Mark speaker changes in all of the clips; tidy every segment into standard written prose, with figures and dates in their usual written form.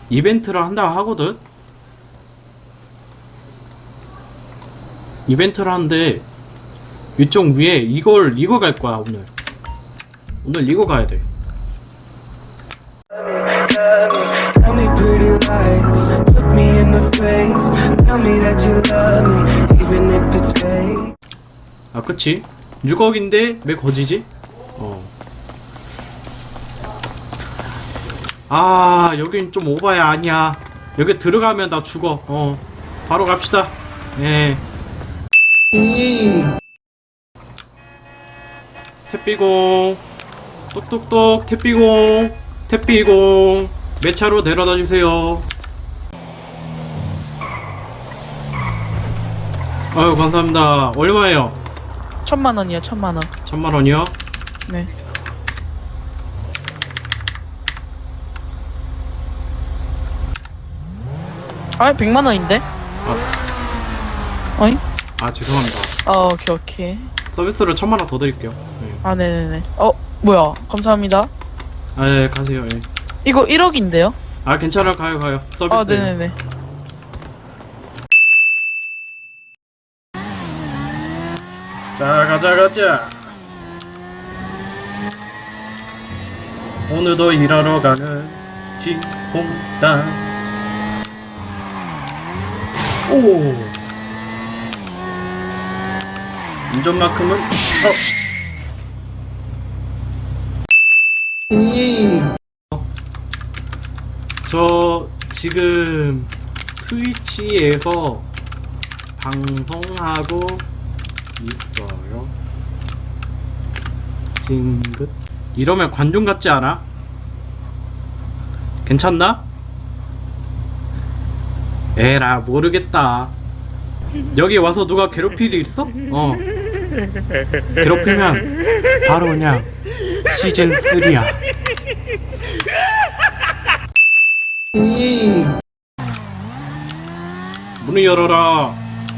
Speaker 1: 이벤트를 한다고 하거든? 이벤트를 하는데 위쪽 위에 이걸 갈 거야 오늘. 오늘 이거 가야 돼.
Speaker 2: Tell me pretty lies, look me in the face. Tell me that you love me, even if it's fake.
Speaker 1: 아 그치? 6억인데 왜 거지지? 아 여긴 좀 오바야. 아니야 여기 들어가면 나 죽어. 바로 갑시다. 예. 택비공 똑똑똑 택비공 몇 차로 데려다 주세요. 아유 감사합니다. 얼마예요?
Speaker 3: 1000만원이요, 1000만원.
Speaker 1: 1000만원이요?
Speaker 3: 네. 아, 100만원인데? 어이?
Speaker 1: 아 죄송합니다.
Speaker 3: 오케이, 오케이.
Speaker 1: 서비스로 1000만원 더 드릴게요. 네.
Speaker 3: 아, 네네네. 뭐야. 감사합니다.
Speaker 1: 아 예, 가세요. 예.
Speaker 3: 이거 1억인데요?
Speaker 1: 아 괜찮아요. 가요 서비스.
Speaker 3: 아, 네네네.
Speaker 1: 자 가자. 오늘도 일하러 가는 지홍당. 오 운전만큼은 저 지금 트위치에서 방송하고 있어요. 징긋. 이러면 관중 같지 않아? 괜찮나? 에라 모르겠다. 여기 와서 누가 괴롭힐 일 있어? 괴롭히면 바로 그냥 시즌 3야. 문을 열어라.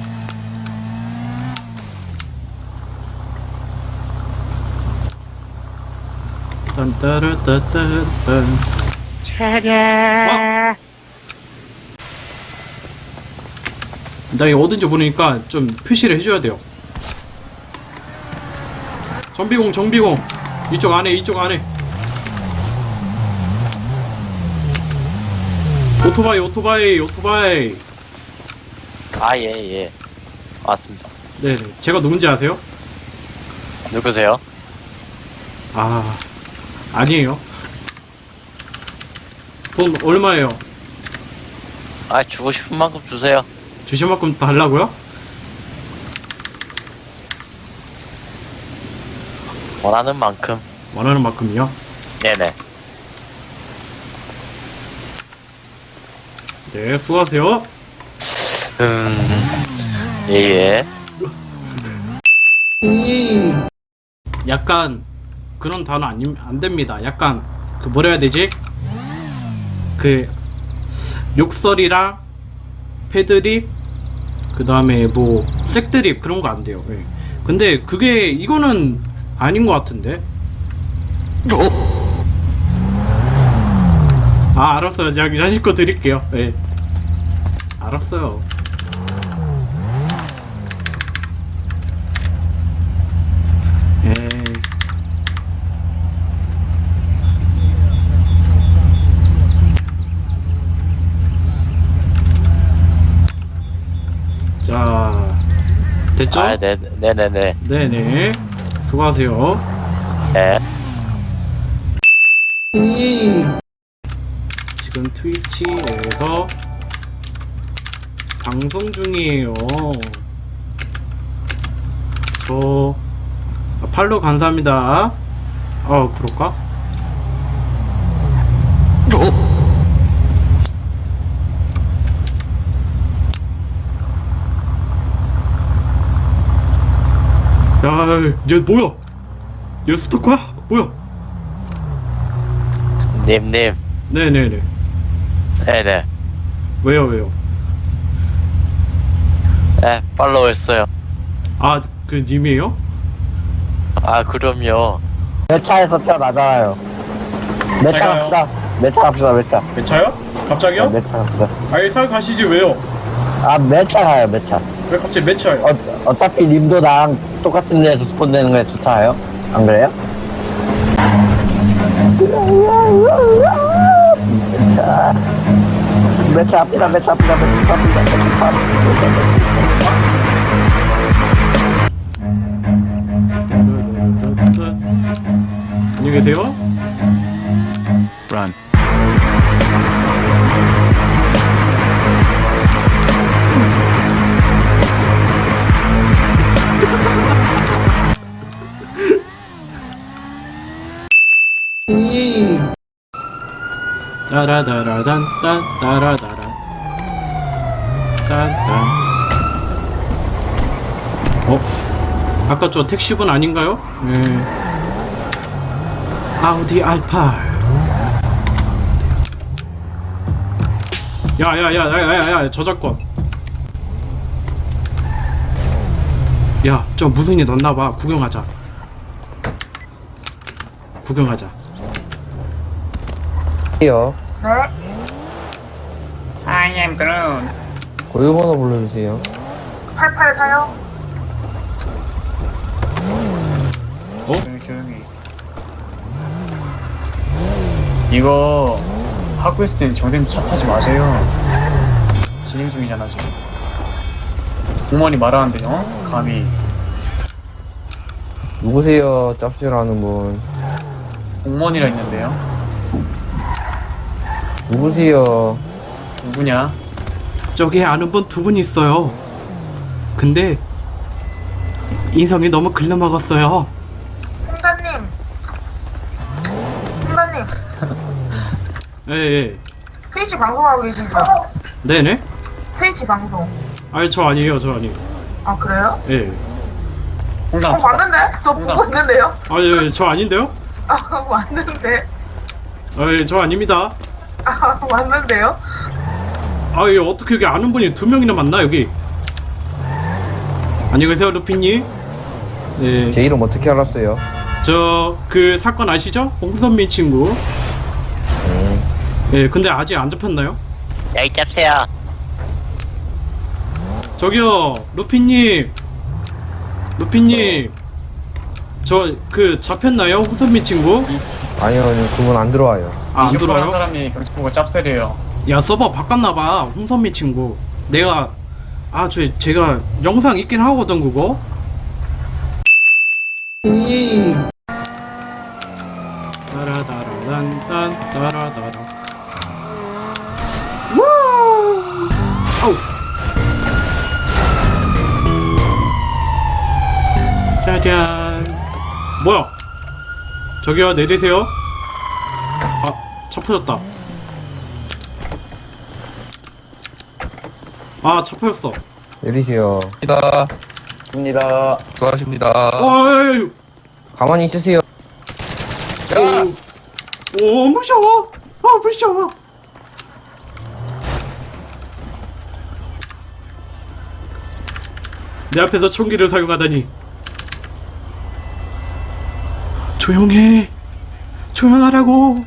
Speaker 1: 딴따르따따딴. 차례. 나 이거 어딘지 모르니까 좀 표시를 해줘야 돼요. 정비공 이쪽 안에 오토바이.
Speaker 4: 아, 예. 맞습니다.
Speaker 1: 네네. 제가 누군지 아세요?
Speaker 4: 누구세요?
Speaker 1: 아 아니에요. 돈 얼마예요?
Speaker 4: 아, 주고 싶은 만큼 주세요.
Speaker 1: 주실 만큼 달라고요?
Speaker 4: 원하는 만큼.
Speaker 1: 원하는 만큼이요?
Speaker 4: 네네.
Speaker 1: 네 수고하세요.
Speaker 4: 예.
Speaker 1: 약간 그런 단어 안 됩니다. 약간 그 뭐라 해야 되지? 그 욕설이랑 패드립 그 다음에 뭐 색드립 그런 거 안 돼요. 예. 근데 그게 이거는 아닌 것 같은데. 아 알았어요. 제가 자식 거 드릴게요. 예. 알았어요. 예. 자 됐죠?
Speaker 4: 아, 네네네.
Speaker 1: 네네 수고하세요.
Speaker 4: 네.
Speaker 1: 지금 트위치에서 방송 중이에요. 저 팔로우 감사합니다. 그럴까? 얘 뭐야? 얘 스토커야? 뭐야?
Speaker 4: 님.
Speaker 1: 네네네.
Speaker 4: 네네.
Speaker 1: 왜요?
Speaker 4: 네, 팔로우 했어요.
Speaker 1: 그 님이에요?
Speaker 4: 아, 그럼요.
Speaker 5: 내 차에서 펴 나잖아요. 내 차
Speaker 1: 잘 가요.
Speaker 5: 갑시다. 매차 갑시다, 매차.
Speaker 1: 매차요? 갑자기요?
Speaker 5: 매차 갑시다.
Speaker 1: 아예 싹 가시지 왜요?
Speaker 5: 아, 매차 가요, 매차.
Speaker 1: 왜 갑자기 매차요?
Speaker 5: 어차피 님도 나랑 똑같은 데에서 스폰되는 게 좋잖아요? 안 그래요? 매차. 매차 앞이다, 매차 앞이다, 매차 앞이다, 매차 앞이다.
Speaker 1: 안녕히 계세요.
Speaker 4: Run.
Speaker 1: 따라다라단 딴 따라다라 딴딴. 아까 저 택시분 아닌가요? 네. 아우디 알파. 야야야야야야 저작권. 야, 저 무슨 일 났나봐. 구경하자. 구경하자.
Speaker 6: 요
Speaker 7: 네? I am Groot.
Speaker 6: 고유번호 불러주세요.
Speaker 7: 884요?
Speaker 8: 조용히. 이거 하고 있을 땐 정신 차 타지 마세요. 진행 중이잖아 지금. 공무원이 말하는데 감히.
Speaker 6: 누구세요? 짭짤하는 분.
Speaker 8: 공무원이라 있는데요.
Speaker 6: 누구세요?
Speaker 8: 누구냐?
Speaker 1: 저기 아는 분 두 분 있어요. 근데 인성이 너무 글러먹었어요.
Speaker 7: 홍사님. 홍사님.
Speaker 1: 예.
Speaker 7: 트위치 방송하고 계시죠?
Speaker 1: 네네.
Speaker 7: 트위치 방송.
Speaker 1: 아니 저 아니에요. 저 아니에요.
Speaker 7: 아 그래요?
Speaker 1: 예.
Speaker 8: 홍삼.
Speaker 7: 봤는데? 저 보고 있는데요?
Speaker 1: 아니 저 아닌데요?
Speaker 7: 아 맞는데?
Speaker 1: 아니 저 아닙니다.
Speaker 7: 아 맞는데요?
Speaker 1: 아니 어떻게 여기 아는 분이 두 명이나 만나 여기. 안녕히 계세요 루피님. 네.
Speaker 6: 제 이름 어떻게 알았어요?
Speaker 1: 저 그 사건 아시죠? 홍선민 친구. 예. 근데 아직 안 잡혔나요?
Speaker 4: 야이 짭새야.
Speaker 1: 저기요 루피님. 루피님. 저 그 잡혔나요? 홍선민 친구?
Speaker 6: 아니요, 그분 안 들어와요.
Speaker 1: 아, 안
Speaker 8: 한
Speaker 1: 들어와요?
Speaker 8: 사람이 경찰 보고 짭새래요.
Speaker 1: 야 서버 바꿨나봐 홍선미 친구. 내가 제가 영상 있긴 하거든 그거. 따라다라란딴 따라다라. 우! 아우. 짜잔. 뭐야? 저기요 내리세요. 차 터졌다. 차 터졌어.
Speaker 6: 내리세요.
Speaker 5: 입니다.
Speaker 6: 수고하십니다.
Speaker 1: 어이.
Speaker 6: 가만히 있으세요.
Speaker 1: 오, 무서워. 무서워. 내 앞에서 총기를 사용하다니. 조용해. 조용하라고.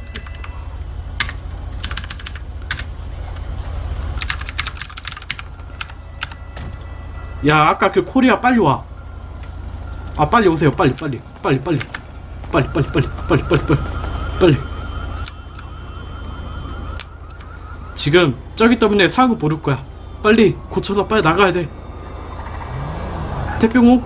Speaker 1: 야, 아까 그 코리아 빨리 와. 빨리 오세요. 빨리. 지금 저기 때문에 상황을 모를 거야. 빨리 고쳐서 빨리 나가야 돼. 태평호?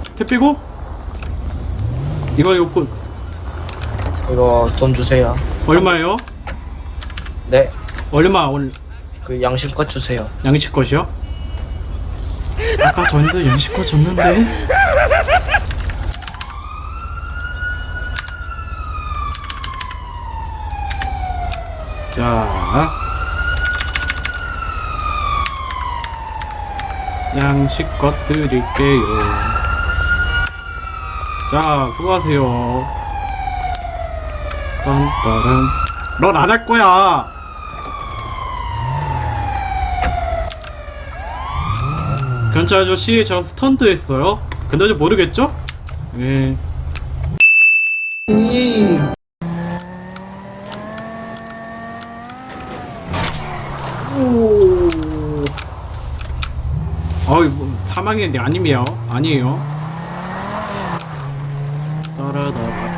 Speaker 1: 이거
Speaker 9: 이거 돈 주세요.
Speaker 1: 얼마예요?
Speaker 9: 네,
Speaker 1: 얼마 오늘
Speaker 9: 그 양심껏 주세요.
Speaker 1: 양식것이요? 아까 전에도 양식것 줬는데. 자, 양식것 드릴게요. 자, 수고하세요. 딴따란. 넌 안 할 거야. 경찰 아저씨, 저 스턴트 했어요. 근데 아직 모르겠죠? 예. 오. 어이 뭐 사망했는데 아니에요. 아니에요. 따라따라.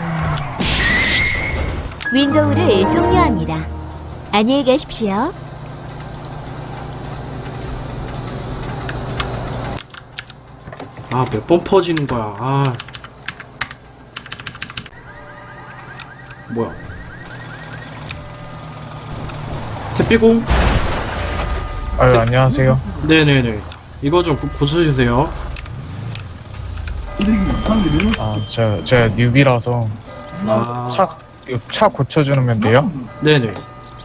Speaker 10: 윈도우를 종료합니다. 안녕히 가십시오.
Speaker 1: 아, 몇 번 퍼지는 거야. 아. 뭐야? 택배공?
Speaker 8: 아유, 안녕하세요.
Speaker 1: 네네네. 이거 좀 고쳐주세요.
Speaker 8: 제가 뉴비라서
Speaker 1: 아,
Speaker 8: 차 고쳐주면 돼요?
Speaker 1: 네네.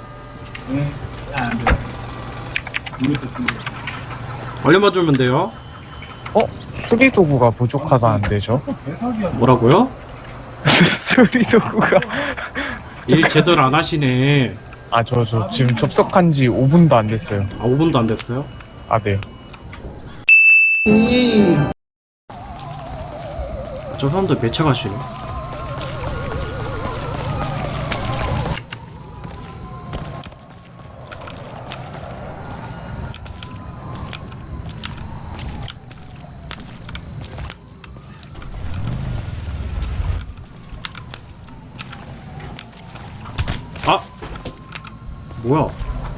Speaker 1: 얼마만 주면 돼요?
Speaker 8: 수리 도구가 부족하다는데, 저?
Speaker 1: 뭐라고요?
Speaker 8: 수리 도구가.
Speaker 1: 일 제대로 안 하시네.
Speaker 8: 저 지금 접속한 지 5분도 안 됐어요.
Speaker 1: 아, 5분도 안 됐어요?
Speaker 8: 아, 네.
Speaker 1: 저 사람들 몇 차 가시네? 아! 뭐야?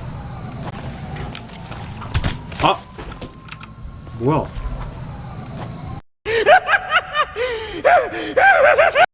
Speaker 1: 아! 뭐야?